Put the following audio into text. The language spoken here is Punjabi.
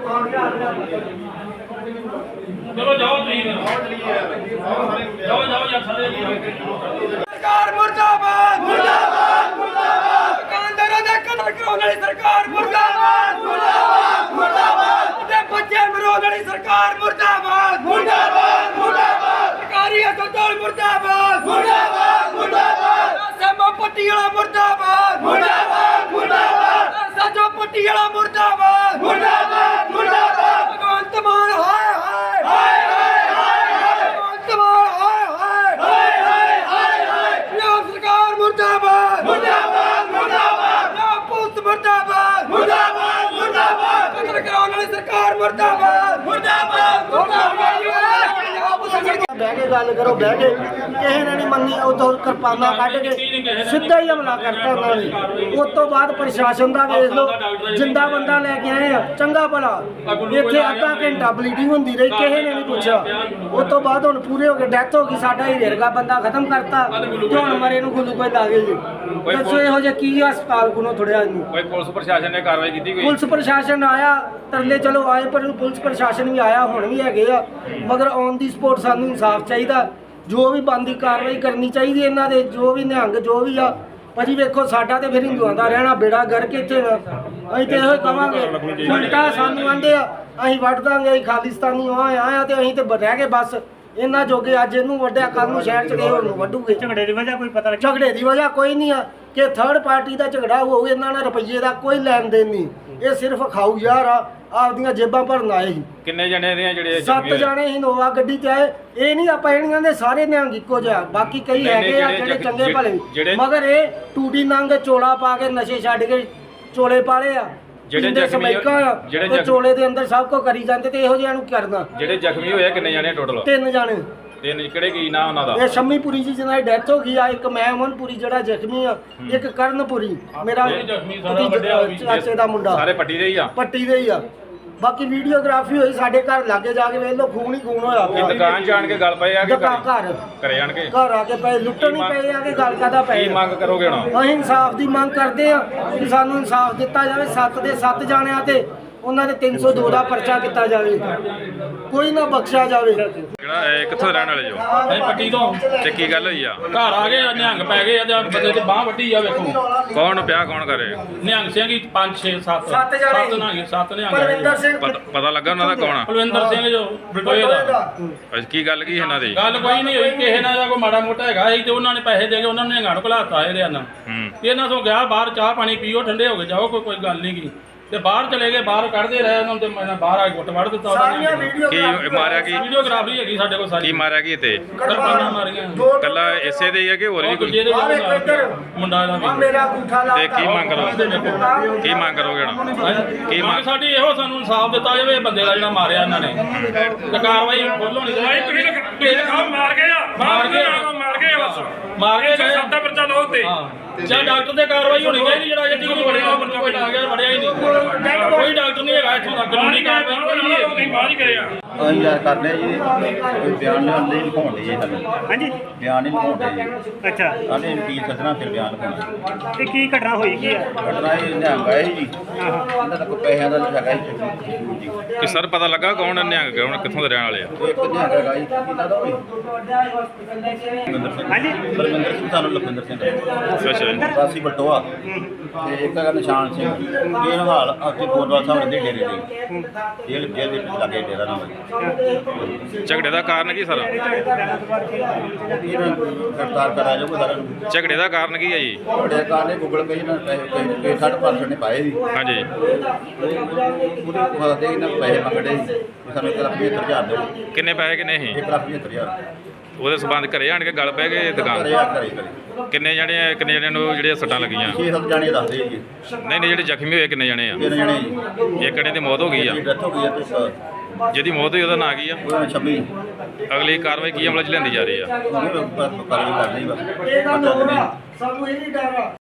चलो जाओ जाओ जाओ यार सरकार मुर्दाबाद मुर्दाबाद मुर्दाबाद दुकानदारों ने कत्ल कराने वाली सरकार मुर्दाबाद मुर्दाबाद मुर्दाबाद ते बच्चे मरोने वाली सरकार मुर्दाबाद मुर्दाबाद मुर्दाबाद सरकारी अस्पताल मुर्दाबाद मुर्दाबाद मुर्दाबाद सेमा पट्टी वाला मुर्दाबाद मुर्दाबाद मुर्दाबाद साजो पट्टी वाला मुर्दाबाद मुर्दाबाद मुर्दाबाद भगवंत मान हाय हाय हाय हाय हाय भगवंत मान हाय हाय हाय हाय हाय पंजाब सरकार मुर्दाबाद मुर्दाबाद मुर्दाबाद पंजाब पुलिस मुर्दाबाद मुर्दाबाद मुर्दाबाद कत्ल कराने वाली सरकार मुर्दाबाद मुर्दाबाद मुर्दाबाद बह के गल करो बह के किसी ने नहीं मनी उतो किरपाना कढ़ के सीधा ही हमला करता उन्होंने उस तो बाद प्रशासन का वेख लो जिंदा बंदा लैके आए हैं चंगा भला इतने अद्धा घंटा ब्लीडिंग होंदी रही किसी ने नहीं पूछा उस तो बाद हुण पूरे हो गए डेथ हो गई साडा ही रेरगा बंदा खत्म करता ते हुण मरे नूं ग्लूकोज ला गए जी दसो इहो जिहा की हस्पताल कोलों थोड़िया इनू कोई पुलिस प्रशासन ने कार्रवाई की कोई पुलिस प्रशासन आया तरले चलो आए पर पुलिस प्रशासन भी आया हुण भी हैगे आ मगर ऑन दी स्पॉट सानू इंसाफ चाहिए जो भी बनदी कार्रवाई करनी चाहिए इन्हां दे जो भी निहंग जो भी आ भाजी वेखो साडा ते फिर हिंदुआं दा रहना बेड़ा गर्क इत्थे असीं ते इहो कहांगे उल्टा सानू आंदे आ असीं वड्ड दांगे असीं खालिस्तानी आया ते असीं ते रह गए बस इन्ना जोगे अज इनू वड्डिया कल नूं शहर च गए होर नूं वड्डूगे झगड़े दी वजह कोई पता झगड़े दी वजह कोई नहीं आ कि थर्ड पार्टी का झगड़ा हो इन्हां नाल रुपये का कोई लैन देन नहीं ये सिर्फ खाऊ यार आ आपदियां जेबां भरन आए ही किन्ने जने ने जेड़े 7 जाने इनोवा गड्डी ते आए ये नहीं आपां इहनियां दे सारे निहंग इक्को जिहा बाकी कई हैगे आ जेड़े चंगे भले मगर ये टूटी नंग चोला पा के नशे छड्ड के चोले पाले आ ਜਿਹੜੇ ਚੋਲੇ ਦੇ ਅੰਦਰ ਸਭ ਕੋ ਕਰੀ ਜਾਂਦੇ ਤੇ ਇਹੋ ਜਿਹਾ ਨੂੰ ਕਰਨਾ ਜਿਹੜੇ ਜ਼ਖਮੀ ਹੋਏ ਕਿੰਨੇ ਜਾਣੇ ਟੋਟਲ 3 ਜਾਣੇ ਤਿੰਨ ਕਿਹੜੇ ਕੀ ਨਾਂ ਉਹਨਾਂ ਦਾ ਇਹ ਸ਼ੰਮੀਪੁਰੀ ਜੀ ਜਿਹਨਾਂ ਦੀ ਡੈਥ ਹੋ ਗਈ ਆ ਇੱਕ ਮੈਂ ਅਮਨਪੁਰੀ ਜਿਹੜਾ ਜ਼ਖਮੀ ਆ ਇੱਕ ਕਰਨਪੁਰੀ ਮੇਰਾ ਚਾਚੇ ਦਾ ਮੁੰਡਾ ਸਾਰੇ ਪੱਟੀ ਦੇ ਹੀ ਆ ਪੱਟੀ ਦੇ ਹੀ ਆ ਬਾਕੀ ਵੀਡੀਓਗ੍ਰਾਫੀ ਹੋਈ ਸਾਡੇ ਘਰ ਲਾਗੇ ਜਾ ਕੇ ਵੇਖ ਲਓ ਖੂਨ ਹੀ ਖੂਨ ਹੋਇਆ ਪਿਆ ਦੁਕਾਨ ਜਾਣ ਕੇ ਗੱਲ ਪਏ ਆ ਕਿ ਘਰ ਜਾਣ ਕੇ ਘਰ ਆ ਕੇ ਪਏ ਲੁੱਟਣ ਹੀ ਪਏ ਆ ਕਿ ਗੱਲ ਕਾਦਾ ਪਏ ਕੀ ਮੰਗ ਕਰੋਗੇ ਹੁਣ ਅਸੀਂ ਇਨਸਾਫ ਦੀ ਮੰਗ ਕਰਦੇ ਆ ਕਿ ਸਾਨੂੰ ਇਨਸਾਫ ਦਿੱਤਾ ਜਾਵੇ 7 ਦੇ 7 ਜਾਣਿਆਂ ਤੇ ਉਹਨਾਂ ਦੇ 302 ਦਾ ਪਰਚਾ ਕੀਤਾ ਜਾਵੇ ਕੋਈ ਨਾ ਬਖਸ਼ਿਆ ਜਾਵੇ ਜਿਹੜਾ ਕਿੱਥੋਂ ਰਹਿਣ ਵਾਲੇ ਜੋ ਅਸੀਂ ਪੱਟੀ ਤੋਂ ਤੇ ਕੀ ਗੱਲ ਹੋਈ ਆ ਘਰ ਆ ਗਏ ਨਿਹੰਗ ਪੈ ਗਏ ਆ ਬੰਦੇ ਤੇ ਬਾਹ ਵੱਢੀ ਆ ਵੇਖੋ ਕੌਣ ਪਿਆ ਕੌਣ ਕਰੇ ਨਿਹੰਗ ਸਿੰਘ 5 6 7 7 ਜਾਣੇ 7 ਨਿਹੰਗ ਪਰਵਿੰਦਰ ਸਿੰਘ ਪਤਾ ਲੱਗਾ ਉਹਨਾਂ ਦਾ ਕੌਣ ਆ ਕੁਲਵਿੰਦਰ ਸਿੰਘ ਜੋ ਬਟੋਏ ਦਾ ਅੱਜ ਕੀ ਗੱਲ ਕੀ ਇਹਨਾਂ ਦੀ ਗੱਲ ਕੋਈ ਨਹੀਂ ਹੋਈ ਕਿਸੇ ਨਾਲ ਕੋਈ ਮਾੜਾ ਮੋਟਾ ਹੈਗਾ ਸੀ ਤੇ ਉਹਨਾਂ ਨੇ ਪੈਸੇ ਦੇ ਕੇ ਉਹਨਾਂ ਨੇ ਨਿਹੰਗਾਂ ਨੂੰ ਘਲਾਤਾ ਇਹਦੇ ਨਾਲ ਇਹਨਾਂ ਤੋਂ ਗਿਆ ਬਾਹਰ ਚਾਹ ਪਾਣੀ ਪੀਓ ਠੰਡੇ ਹੋ ਕੇ ਜਾਓ ਕੋਈ ਗੱਲ ਨਹੀਂ ਕੀ ਤੇ ਬਾਹਰ ਚਲੇ ਗਏ ਬਾਹਰ ਕੱਢਦੇ ਰਹੇ ਉਹਨਾਂ ਤੇ ਮੈਂ ਬਾਹਰ ਆ ਕੇ ਗੁੱਟ ਵੜ ਦਿੱਤਾ ਸਾਰੀਆਂ ਵੀਡੀਓ ਕੀ ਮਾਰਿਆ ਕੀ ਵੀਡੀਓਗ੍ਰਾਫੀ ਹੈਗੀ ਸਾਡੇ ਕੋਲ ਸਾਰੀ ਕੀ ਮਾਰਿਆ ਕੀ ਤੇ ਕਿਰਪਾਨਾਂ ਮਾਰੀਆਂ ਕੱਲਾ ਇਸੇ ਦੇ ਹੀ ਆ ਕਿ ਹੋਰ ਵੀ ਕੋਈ ਮੁੰਡਾ ਦਾ ਵੀ ਮੇਰਾ ਅੰਗੂਠਾ ਲਾ ਤੇ ਕੀ ਮੰਗ ਕਰੋਗੇ ਕੀ ਮੰਗ ਕਰੋਗੇ ਹੁਣ ਕੀ ਮੰਗ ਸਾਡੀ ਇਹੋ ਸਾਨੂੰ ਇਨਸਾਫ ਦਿੱਤਾ ਜਾਵੇ ਇਹ ਬੰਦੇ ਦਾ ਜਿਹੜਾ ਮਾਰਿਆ ਇਹਨਾਂ ਨੇ ਤੇ ਕਾਰਵਾਈ ਫੁੱਲ ਹੋਣੀ ਚਾਹੀਦੀ ਮਾਰ ਗਏ ਆ ਮਾਰ ਗਏ ਬਸ ਮਾਰ ਕੇ ਗਏ ਸਭ ਦਾ ਪਰਚਾ ਲਓ ਤੇ ਜਾਂ ਡਾਕਟਰ ਤੇ ਕਾਰਵਾਈ ਹੋਣੀ ਚਾਹੀਦੀ ਜਿਹੜਾ ਜੱਟੀ ਨੂੰ ਵੜਿਆ ਕੋਈ ਆ ਗਿਆ ਵੜਿਆ ਹੀ ਨਹੀਂ ਕੋਈ ਡਾਕਟਰ ਨਹੀਂ ਹੈਗਾ ਇੱਥੋਂ ਦਾ ਕਾਨੂੰਨੀ ਕਾਰਵਾਈ ਬਾਹਰ ਹੀ ਗਏ ਆ ਅਸੀਂ ਯਾਰ ਕਰਦੇ ਜੀ ਕੋਈ ਬਿਆਨ ਨਹੀਂ ਲਿਖਾਉਣ ਦੇ ਜੀ ਸਾਨੂੰ ਹਾਂਜੀ ਬਿਆਨ ਨਹੀਂ ਲਿਖਾਉਂਦੇ ਜੀ ਅੱਛਾ ਸਾਡੇ ਵਕੀਲ ਸੱਜਣਾ ਫਿਰ ਬਿਆਨ ਲਿਖਾਉਣਾ ਤੇ ਕੀ ਘਟਨਾ ਹੋਈ ਕੀ ਆ ਘਟਨਾ ਇਹ ਨਿਹੰਗ ਆਏ ਜੀ ਇਹਨਾਂ ਦਾ ਕੋਈ ਪੈਸਿਆਂ ਦਾ ਹੈਗਾ ਜੀ ਕਿ ਸਰ ਪਤਾ ਲੱਗਾ ਕੌਣ ਨਿਹੰਗ ਕੌਣ ਕਿੱਥੋਂ ਦੇ ਰਹਿਣ ਵਾਲੇ ਆ ਇੱਕ ਨਿਹੰਗ ਹੈਗਾ ਜੀ ਕਿਹਦਾ ਦਾ ਹੋਈ ਹਾਂਜੀ ਪਰਮਿੰਦਰ ਸਿੰਘ ਸਾਨੂੰ ਲਖਵਿੰਦਰ ਸਿੰਘ ਅੱਛਾ ਜੀ ਵਾਸੀ ਬਲਟੋਆ ਤੇ ਇੱਕ ਹੈਗਾ ਨਿਸ਼ਾਨ ਸਿੰਘ ਇਹ ਹਾਲ ਆਪਕੇ ਗੋਦਵਾਲ ਸਾਹਿਬ ਦੇ ਡੇਰੇ ਦੇ ਜੇਲ੍ਹ ਦੇ ਲੱਗੇ ਡੇਰਾ ਨਾਮ ਝਗੜੇ ਦਾ ਕਾਰਨ ਕੀ ਸਰ ਇਹਨਾਂ ਗ੍ਰਿਫਤਾਰ ਕਰਾਇਆ ਜਾਊਗਾ ਸਾਰਿਆਂ ਨੂੰ ਝਗੜੇ ਦਾ ਕਾਰਨ ਕੀ ਹੈ ਜੀ ਬੜੇ ਕਾਰਨ ਗੂਗਲ ਪੇ ਨਾਲ ਪੈਸੇ 60% ਨੇ ਪਾਏ ਸੀ ਹਾਂਜੀ ਉਹਦੇ ਕੋਲ ਦੇ ਇਹਨਾਂ ਪੈਸੇ ਮੰਗੜੇ ਸਾਨੂੰ 1,75,000 ਦਿਓ ਕਿੰਨੇ ਪੈਸੇ ਕਿੰਨੇ ਸੀ 1,75,000 ਉਹਦੇ ਸਬੰਧ ਘਰੇ ਆਣ ਕੇ ਗੱਲ ਪੈ ਗਏ ਦੁਕਾਨ ਕਰੇ ਕਿੰਨੇ ਜਣਿਆਂ ਨੂੰ ਜਿਹੜੀਆਂ ਸੱਟਾਂ ਲੱਗੀਆਂ 6-7 ਜਾਣੇ ਦੱਸਦੇ ਜੀ ਨਹੀਂ ਜਿਹੜੇ ਜ਼ਖਮੀ ਹੋਏ ਕਿੰਨੇ ਜਣੇ ਆ 3 ਜਾਣੇ ਜੀ ਇੱਕ ਜਣੇ ਦੀ ਮੌਤ ਹੋ ਗਈ ਆ ਡੈਥ ਹੋ ਗਈ ਹੈ ਤੇ ਜਿਹਦੀ ਮੌਤ ਹੋਈ ਉਹਦਾ ਨਾਂ ਕੀ ਆ ਉਹ 26 ਅਗਲੀ ਕਾਰਵਾਈ ਕੀ ਅਮਲ ਚ ਲੈਂਦੀ ਜਾ ਰਹੀ ਆ ਉਹ ਕਰ ਰਹੀ ਬਸ ਇਹ ਗੱਲ ਹੋਰ ਆ ਸਾਨੂੰ ਇਹ ਨਹੀਂ ਡਰ ਆ